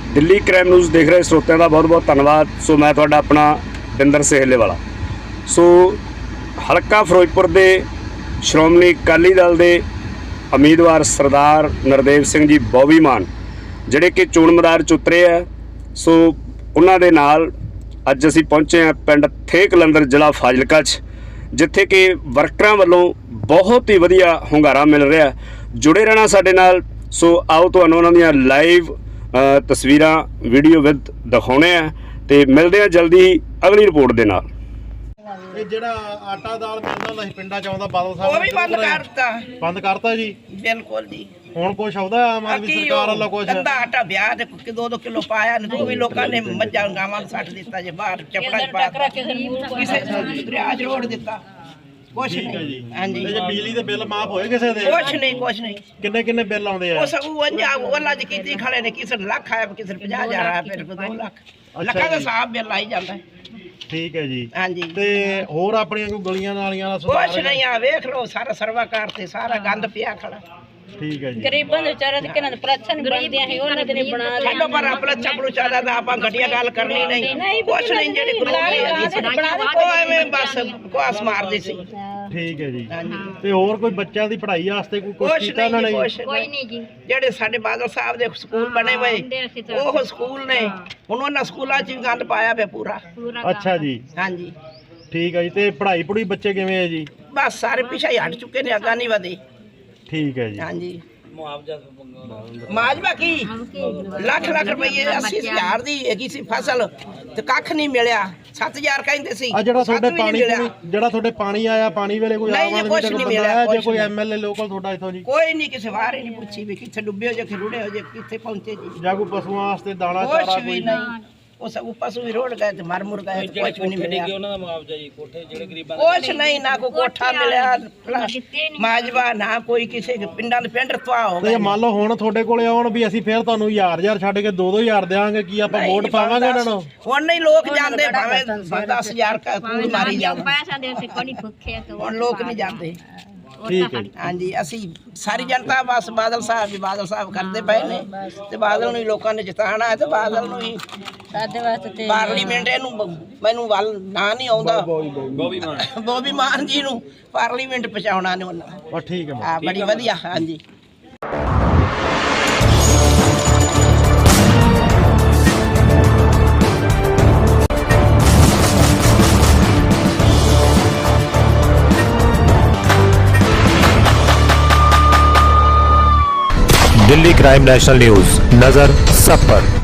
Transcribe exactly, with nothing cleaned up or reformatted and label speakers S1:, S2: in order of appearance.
S1: Delhi crime news देख रहे श्रोतिਆਂ ਦਾ बहुत बहुत धन्यवाद। सो मैं ਤੁਹਾਡਾ अपना बिंदर सेहले वाला। सो हलका फिरोजपुर के श्रोमणी अकाली दल के उम्मीदवार सरदार नरदेव सिंह जी बॉबी मान ਜਿਹੜੇ कि चोण मैदान च उतरे है। सो ਉਹਨਾਂ ਦੇ ਨਾਲ ਅੱਜ ਅਸੀਂ ਪਹੁੰਚੇ ਹਾਂ ਪਿੰਡ ਥੇ ਕਲੰਦਰ ਜ਼ਿਲ੍ਹਾ ਫਾਜ਼ਿਲਕਾ 'ਚ, ਜਿੱਥੇ ਕਿ ਵਰਕਰਾਂ ਵੱਲੋਂ ਬਹੁਤ ਹੀ ਵਧੀਆ ਹੁੰਗਾਰਾ ਮਿਲ ਰਿਹਾ। ਜੁੜੇ ਰਹਿਣਾ ਸਾਡੇ ਨਾਲ। ਸੋ ਆਓ ਤੁਹਾਨੂੰ ਉਹਨਾਂ ਦੀਆਂ ਲਾਈਵ ਤਸਵੀਰਾਂ ਵੀਡੀਓ ਵਿਦ ਦਿਖਾਉਣੇ ਆ ਤੇ ਮਿਲਦੇ ਆ ਜਲਦੀ ਅਗਲੀ ਰਿਪੋਰਟ ਦੇ ਨਾਲ।
S2: ਇਹ ਜਿਹੜਾ ਆਟਾ ਦਾਲ ਮਿਲਦਾ ਹੁੰਦਾ ਸੀ ਪਿੰਡਾਂ ਚ ਆਉਂਦਾ ਬਾਦਲ ਸਾਹਿਬ
S3: ਉਹ ਵੀ ਬੰਦ ਕਰਤਾ
S2: ਬੰਦ ਕਰਤਾ ਜੀ।
S3: ਬਿਲਕੁਲ ਜੀ।
S2: ਹੁਣ ਕੁਛ ਆਉਂਦਾ ਆਮ ਆਦਮੀ ਸਰਕਾਰ ਵੱਲੋਂ ਕੁਛ
S3: ਅੱਧਾ ਆਟਾ ਵਿਆਹ ਦੇ ਕਿ ਦੋ ਦੋ ਕਿਲੋ ਪਾਇਆ ਨੇ ਉਹ ਵੀ ਲੋਕਾਂ ਨੇ ਮੱਝਾਂ ਗਾਵਾਂ ਨੂੰ ਸੱਟ ਦਿੱਤਾ ਜੇ ਬਾਹਰ ਚਪੜਾ ਚ ਪਾ ਕਿਸੇ ਦਰਿਆ ਚ ਰੋੜ ਦਿੱਤਾ। ਕੁਛ ਨਹੀਂ। ਹਾਂਜੀ
S2: ਤੇ ਜੇ ਬਿਜਲੀ ਦੇ ਬਿੱਲ ਮਾਫ ਹੋਏ ਕਿਸੇ ਦੇ?
S3: ਕੁਛ ਨਹੀਂ ਕੁਛ ਨਹੀਂ।
S2: ਕਿੰਨੇ ਕਿੰਨੇ ਬਿੱਲ ਆਉਂਦੇ ਆ?
S3: ਉਹ ਸਭ ਉਹਨਾਂ ਉਹਨਾਂ ਦੀ ਕੀਤੀ ਖੜੇ ਨੇ, ਕਿਸੇ ਨੂੰ ਲੱਖ ਆਇਆ ਕਿਸੇ ਨੂੰ ਪੰਜਾਹ ਹਜ਼ਾਰ ਆਇਆ ਫਿਰ ਦੋ ਲੱਖ ਲੱਖਾਂ ਦਾ ਹਿਸਾਬ ਬਿੱਲ ਆਈ ਜਾਂਦਾ।
S2: ਠੀਕ ਹੈ ਜੀ।
S3: ਹਾਂਜੀ
S2: ਤੇ ਹੋਰ ਆਪਣੀਆਂ ਕੋਈ ਗਲੀਆਂ ਨਾਲੀਆਂ ਦਾ ਸੁਧਾਰ?
S3: ਕੁਛ ਨਹੀਂ। ਆ ਵੇਖ ਲਓ ਸਾਰਾ ਸਰਵਾਕਾਰ ਤੇ ਸਾਰਾ ਗੰਦ ਪਿਆ ਖੜਾ।
S2: ਠੀਕ ਹੈ ਜੀ।
S4: ਗਰੀਬਾਂ ਦੇ ਵਿਚਾਰੇ ਤੇ ਕਿਹਨਾਂ ਦੇ ਪ੍ਰਸ਼ਨ ਬਣਦੇ ਆ ਉਹਨਾਂ ਦੇ ਨਹੀਂ ਬਣਾ
S3: ਸਾਡਾ ਪਰ ਆਪਣਾ ਚੱਪੜੂ ਚਾਦਾ ਦਾ ਆਪਾਂ ਘਟੀਆ ਗੱਲ ਕਰਨੀ ਨਹੀਂ। ਕੁਛ ਨਹੀਂ ਜਿਹੜੇ ਗਰੂਪ ਉਹ ਐਵੇਂ ਬਸ ਕੁਆਸ ਮਾਰਦੇ ਸੀ।
S2: ਠੀਕ ਹੈ ਜੀ। ਤੇ ਹੋਰ ਕੋਈ ਬੱਚਿਆਂ ਦੀ ਪੜ੍ਹਾਈ ਵਾਸਤੇ ਕੋਈ ਕੁਛ
S3: ਕੁਛ
S2: ਕੀਤਾ ਉਹਨਾਂ ਨੇ?
S3: ਨਹੀਂ ਕੋਈ ਨਹੀਂ ਜੀ। ਜਿਹੜੇ ਸਾਡੇ ਬਾਦਲ ਸਾਹਿਬ ਦੇ ਸਕੂਲ ਬਣੇ ਹੋਏ ਉਹ ਸਕੂਲ ਨੇ, ਹੁਣ ਉਹਨਾਂ ਸਕੂਲਾਂ 'ਚ ਵੀ ਗੰਦ ਪਾਇਆ ਪਿਆ ਪੂਰਾ।
S2: ਅੱਛਾ ਜੀ।
S3: ਹਾਂਜੀ
S2: ਠੀਕ ਹੈ ਜੀ। ਤੇ ਪੜ੍ਹਾਈ ਪੜੂਈ ਬੱਚੇ ਕਿਵੇਂ ਹੈ ਜੀ?
S3: ਬਸ ਸਾਰੇ ਪਿੱਛੇ ਹੀ ਹਟ ਚੁੱਕੇ ਨੇ, ਅੱਗਾ ਨਹੀਂ ਵਧੇ।
S2: ਠੀਕ ਹੈ ਜੀ।
S3: ਹਾਂਜੀ ਮੁਆਵਜ਼ਾ ਕੀ ਲੱਖ ਲੱਖ ਰੁਪਏ ਅੱਸੀ ਹਜ਼ਾਰ ਦੀ ਹੈਗੀ ਸੀ ਫਸਲ ਤੇ ਕੱਖ ਨਹੀਂ ਮਿਲਿਆ। ਸੱਤ ਹਜ਼ਾਰ ਕਹਿੰਦੇ ਸੀ।
S2: ਆ ਜਿਹੜਾ ਤੁਹਾਡੇ ਪਾਣੀ ਜਿਹੜਾ ਤੁਹਾਡੇ ਪਾਣੀ ਆਇਆ ਪਾਣੀ ਵੇਲੇ ਕੋਈ ਆਮ ਆਦਮੀ ਦਾ ਬੰਦਾ ਆਇਆ ਜਾਂ ਕੋਈ ਐਮਐਲਏ ਲੋਕਲ ਤੁਹਾਡਾ ਇੱਥੋਂ ਜੀ?
S3: ਕੋਈ ਨਹੀਂ। ਕਿਸੇ ਵਾਰ ਹੀ ਨਹੀਂ ਪੁੱਛੀ ਵੀ ਕਿੱਥੇ ਡੁੱਬੇ ਹੋ ਜਾਂ ਕਿ ਰੁੜੇ ਹੋ ਜਾਂ ਕਿੱਥੇ ਪਹੁੰਚੇ ਜੀ।
S2: ਜਾਂ ਕੋਈ ਪਸ਼ੂਆਂ ਵਾਸਤੇ ਦਾਣਾ ਚਾਰਾ
S3: ਕੁਛ ਵੀ
S2: ਕੋਈ?
S3: ਨਹੀਂ। ਉਹ ਸਭ ਪਸ਼ੂ ਵੀ ਰੋੜ ਗਏ ਤੇ ਮਰ ਮੁਰ ਗਏ, ਕੁਛ ਵੀ ਨਹੀਂ ਮਿਲਿਆ।
S5: ਉਹਨਾਂ ਦਾ ਮੁਆਵਜ਼ਾ ਜੀ ਕੋਠੇ ਜਿਹੜੇ ਗਰੀਬਾਂ
S3: ਕੁਛ ਨਹੀਂ। ਨਾ ਕੋਈ ਕੋਠਾ ਮਿਲਿਆ ਮਾਜਵਾ, ਨਾ ਕੋਈ ਕਿਸੇ ਪਿੰਡਾਂ ਦੇ ਪਿੰਡ ਤਵਾ ਹੋ
S2: ਤੇ
S3: ਗਏ।
S2: ਮੰਨ ਲਓ ਹੁਣ ਤੁਹਾਡੇ ਕੋਲੇ ਆਉਣ ਵੀ ਅਸੀਂ ਫੇਰ ਤੁਹਾਨੂੰ ਹਜ਼ਾਰ ਹਜ਼ਾਰ ਛੱਡ ਕੇ ਦੋ ਦੋ ਹਜ਼ਾਰ ਦੇਵਾਂਗੇ, ਕੀ ਆਪਾਂ ਵੋਟ ਪਾਵਾਂਗੇ ਇਹਨਾਂ ਨੂੰ?
S3: ਹੁਣ ਨਹੀਂ ਲੋਕ ਜਾਂਦੇ, ਭਾਵੇਂ ਦਸ ਹਜ਼ਾਰ ਕੂੜ ਮਾਰੀ ਜਾਣ, ਹੁਣ ਲੋਕ ਨਹੀਂ ਜਾਂਦੇ।
S2: ਠੀਕ ਹੈ।
S3: ਹਾਂਜੀ ਅਸੀਂ ਸਾਰੀ ਜਨਤਾ ਬਸ ਬਾਦਲ ਸਾਹਿਬ ਜੀ ਬਾਦਲ ਸਾਹਿਬ ਕਰਦੇ ਪਏ ਨੇ ਤੇ ਬਾਦਲ ਨੂੰ ਹੀ ਲੋਕਾਂ ਨੇ ਜਿਤਾਉਣਾ ਹੈ ਤੇ ਬਾਦਲ ਨੂੰ ਹੀ
S4: ਸਾਡੇ ਵਾਸਤੇ
S3: ਪਾਰਲੀਮੈਂਟ ਇਹਨੂੰ ਮੈਨੂੰ ਵੱਲ ਨਾ ਨਹੀਂ ਆਉਂਦਾ
S5: ਬੋਬੀ ਮਾਨ
S3: ਬੋਬੀ ਮਾਨ ਜੀ ਨੂੰ ਪਾਰਲੀਮੈਂਟ ਪਹੁੰਚਾਉਣਾ ਨੇ ਉਹਨਾਂ।
S2: ਬਸ ਠੀਕ ਹੈ।
S3: ਹਾਂ ਬੜੀ ਵਧੀਆ। ਹਾਂਜੀ
S6: दिल्ली क्राइम नेशनल न्यूज, नजर सब पर।